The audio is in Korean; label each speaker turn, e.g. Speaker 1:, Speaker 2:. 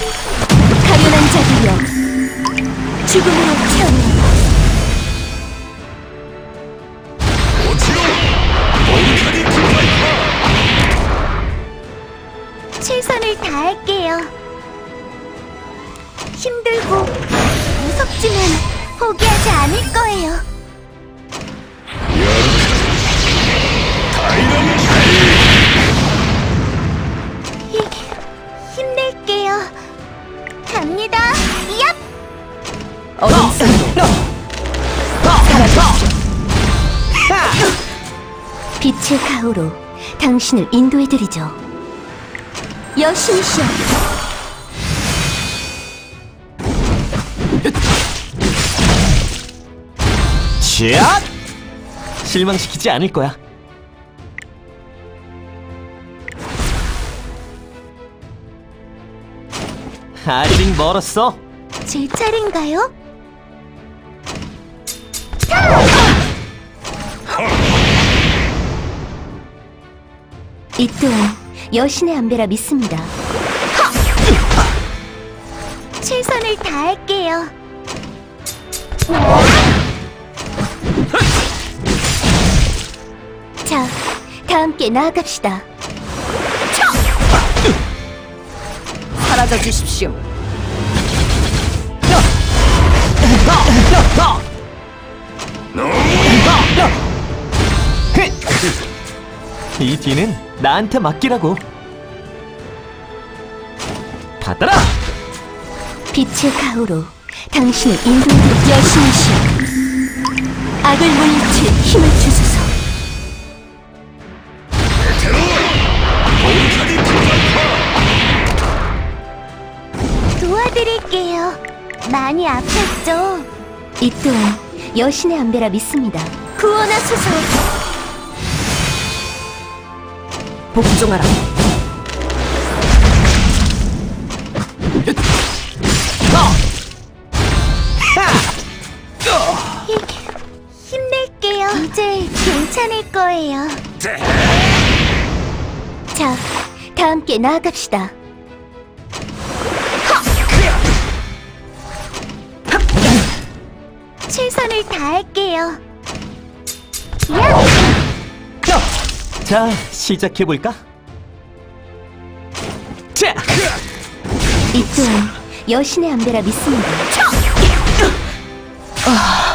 Speaker 1: 가련한 자들이여, 죽음으로 태어나. 최선을 다할게요. 힘들고 무섭지만 포기하지 않을 거예요. 힘낼게요. 갑니다. 얍! 어둠 빛의 가호로 당신을 인도해드리죠. 여신이시여.
Speaker 2: 샷! 실망시키지 않을 거야. 아직 멀었어.
Speaker 1: 제 차례인가요? 이 또한 여신의 안배라 믿습니다. 최선을 다할게요. 자, 다 함께 나아갑시다. 사라져 주십시오.
Speaker 2: 이 뒤는 나한테 맡기라고. 받아라!
Speaker 1: 빛의 가호로 당신을 인도해드릴 여신이시여. 악을 물리칠 힘을 주소서. 도와드릴게요. 많이 아팠죠? 이 또한 여신의 안배라 믿습니다. 구원하소서. 복종하라. 힘낼게요. 이제 괜찮을 거예요. 자, 다 함께 나아갑시다. 최선을 다할게요.
Speaker 2: 자, 시작해볼까? 자!
Speaker 1: 이 또한 여신의 안배라 믿습니다.